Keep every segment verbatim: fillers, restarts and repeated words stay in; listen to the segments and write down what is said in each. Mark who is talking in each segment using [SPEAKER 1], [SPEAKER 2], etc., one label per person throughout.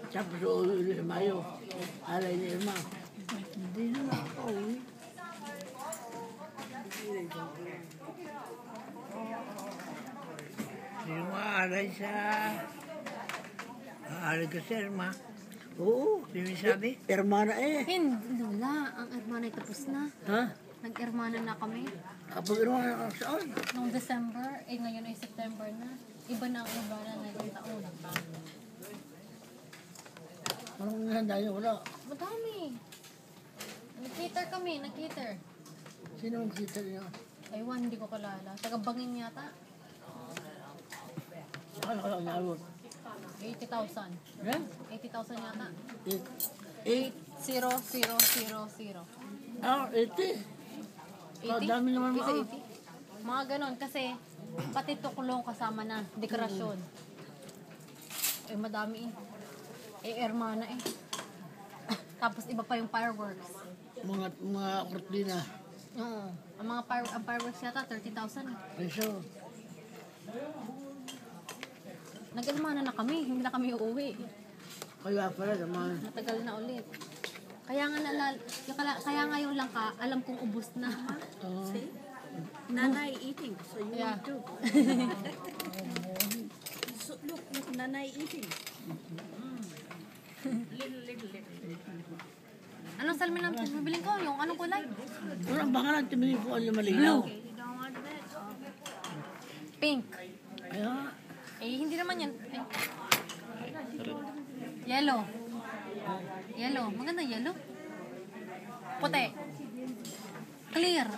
[SPEAKER 1] Tapos uuwi ulit sa Mayo. Alay ni Irma. Hindi na nakaka-uwi. Sino aalay sa... Aalay ka sa Irma? Oo. Sino sabi? Irma na eh.
[SPEAKER 2] Hindi, Lola. Ang Irmana ay tapos na.
[SPEAKER 1] Ha?
[SPEAKER 2] Nag-Irmana na kami.
[SPEAKER 1] Kapag Irma na saan?
[SPEAKER 2] Noong December, eh ngayon ay September na. Iba na ang Irmana na yung taon.
[SPEAKER 1] Anong nahanda niyo? Wala.
[SPEAKER 2] Madami. Nag-cater kami, nag-cater.
[SPEAKER 1] Sino ang kita niyo?
[SPEAKER 2] Aywan, hindi ko kalala. Taga-Bangin yata.
[SPEAKER 1] Ano ka lang nalot?
[SPEAKER 2] eighty thousand.
[SPEAKER 1] Eh?
[SPEAKER 2] eighty thousand yata.
[SPEAKER 1] Eight.
[SPEAKER 2] eight zero zero zero zero.
[SPEAKER 1] Ah, eighty.
[SPEAKER 2] eighty?
[SPEAKER 1] dami naman
[SPEAKER 2] Isa
[SPEAKER 1] mga.
[SPEAKER 2] eighty? Mga ganon, kasi pati tukulong kasama na, dekorasyon. Eh, madami eh. Eh, Hermana eh. Tapos iba pa yung fireworks.
[SPEAKER 1] Mga, mga kortina.
[SPEAKER 2] Oo. Ang mga fire, ang fireworks yata, thirty thousand.
[SPEAKER 1] Peso.
[SPEAKER 2] Nag-Hermana na kami, hindi na kami uuwi.
[SPEAKER 1] Kaya pala naman.
[SPEAKER 2] Matagal na ulit. Kaya nga, nalal, kaya nga yung langka, alam kong ubos na.
[SPEAKER 1] Oo.
[SPEAKER 3] Nanay eating, so you
[SPEAKER 2] Yeah.
[SPEAKER 3] want to. So look, look, Nanay eating. Little, little, little.
[SPEAKER 2] Anong salmin ang bibiling ko? Yung anong kulay?
[SPEAKER 1] Walang baka lang tumingin ko ano malinaw.
[SPEAKER 3] Okay, you don't want that?
[SPEAKER 2] Pink.
[SPEAKER 1] Kaya,
[SPEAKER 2] Eh, hindi naman yan. Eh. Yellow. Yellow. Maganda yellow. Puti. Clear.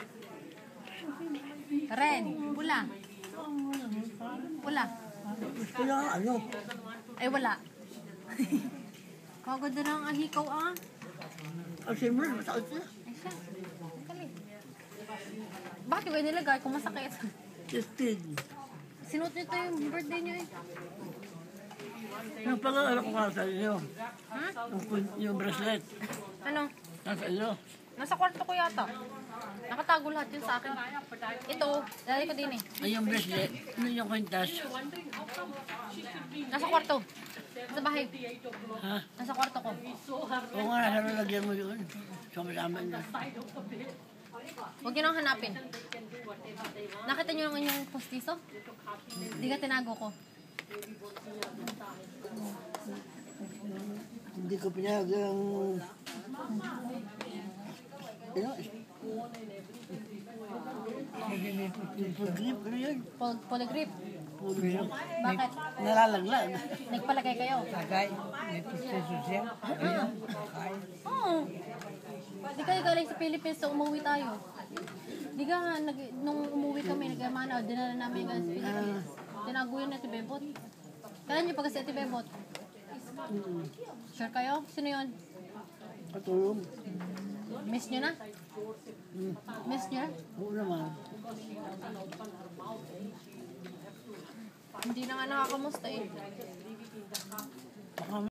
[SPEAKER 2] Red. Pula. Pula.
[SPEAKER 1] gusto niya ano.
[SPEAKER 2] Ay, wala. Kaganda na ang ahikaw ah.
[SPEAKER 1] Kasi mo, masakit siya.
[SPEAKER 2] Ay siya. Ang galing. Bakit ko nilagay kung masakit?
[SPEAKER 1] Tested.
[SPEAKER 2] Sinuot nito yung birthday niyo eh.
[SPEAKER 1] Yung pag-aaral ko nga sa inyo.
[SPEAKER 2] Ha?
[SPEAKER 1] Yung, yung bracelet.
[SPEAKER 2] Ano?
[SPEAKER 1] Nasa iyo.
[SPEAKER 2] Nasa kwarto ko yata. Nakatago lahat yun sa akin. Ito, dali ko din eh.
[SPEAKER 1] Ay, yung bracelet. Ano yung kwintas?
[SPEAKER 2] Nasa kwarto. Sa bahay.
[SPEAKER 1] Ha?
[SPEAKER 2] Nasa kwarto ko.
[SPEAKER 1] Oo nga, nasa lalagyan mo yun. Sama-sama na.
[SPEAKER 2] Huwag nyo nang hanapin. Nakita nyo lang yung postiso? Hindi ka tinago ko.
[SPEAKER 1] Hindi ko pinag ang... Ano? Yung pag-grip, ano yan?
[SPEAKER 2] Pol polygrip.
[SPEAKER 1] Pulo yun.
[SPEAKER 2] Bakit?
[SPEAKER 1] Nalalaglag.
[SPEAKER 2] Nagpalagay kayo?
[SPEAKER 1] Tagay. May proseso siya.
[SPEAKER 2] Ah. Oo. Di kayo galing sa Philippines, so umuwi tayo. Di ka nga, nag, nung umuwi kami, nag-amana, dinala namin yung sa Philippines. Tinago yun na si Bebot. Kailan niyo pa kasi si Bebot? Sure kayo? Sino yun?
[SPEAKER 1] Katulong.
[SPEAKER 2] Miss nyo na? Miss nyo na?
[SPEAKER 1] Oo naman.
[SPEAKER 2] Hindi na nga nakakamusta eh.
[SPEAKER 1] Baka